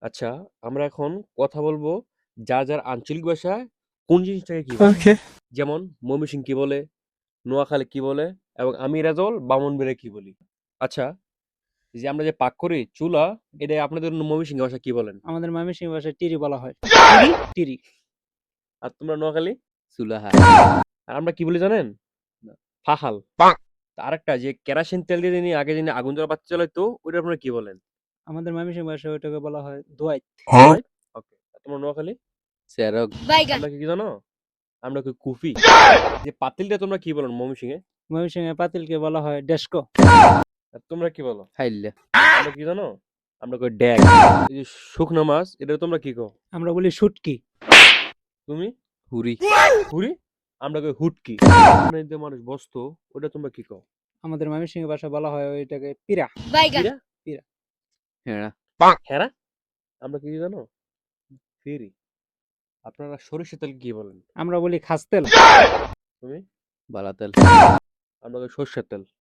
আচ্ছা, আমরা এখন কথা বলবো যার আঞ্চলিক ভাষায় কোন জিনিসটাকে কি বলে? ওকে। যেমন ময়মনসিংহ কি বলে, নোয়াখালী কি বলে এবং আমি রেজাউল ব্রাহ্মণবাড়িয়া কি বলি? আচ্ছা, এই যে আমরা যে পাক করি চুলা, এটা আপনাদের ময়মনসিংহ ভাষায় কি বলেন? আমাদের ময়মনসিংহ ভাষায় টিরি বলা হয়। টিরি? টিরি। আর তোমরা নোয়াখালী? চুলাহা। আর আমরা কি বলি জানেন? না। ফাহাল। আরেকটা যে কেরোসিন তেল দিয়ে যিনি আগে যিনি আগুন জ্বালা বাতি জ্বালাইতো, ওইটা আপনারা কি বলেন? আমাদের ময়মনসিংহ ভাষায় ওটাকে বলা হয় দোয়াইত। রাইট? ওকে। আর তোমরা নোয়াখালী? চেরক। আমরা কি জানো? আমরা কই কুফি। যে পাতিলটা তোমরা কি বলেন ময়মনসিংহে? ময়মনসিংহে পাতিলকে বলা হয় ডেস্কো। আর তোমরা কি বলো? হাইল্লা। আমরা কি জানো? আমরা কই ড্যাগ। এই যে শুকনো মাছ, এটা তোমরা কি কও? আমরা বলি শুটকি। তুমি? হুরি। হুরি? আমরা কই হুটকি। মানে যে মানুষ বসতো, ওটা তোমরা কি কও? আমাদের ময়মনসিংহ ভাষায় বলা হয় ওইটাকে পিরা। কিরা? পিরা। হেড়া। হেরা? আমরা কি জানো? ফেরি। আপনারা সরিষার তেল কি বলেন? আমরা বলি খাসতেল। তুমি? বালাতেল। আমরা কই সর্ষের তেল।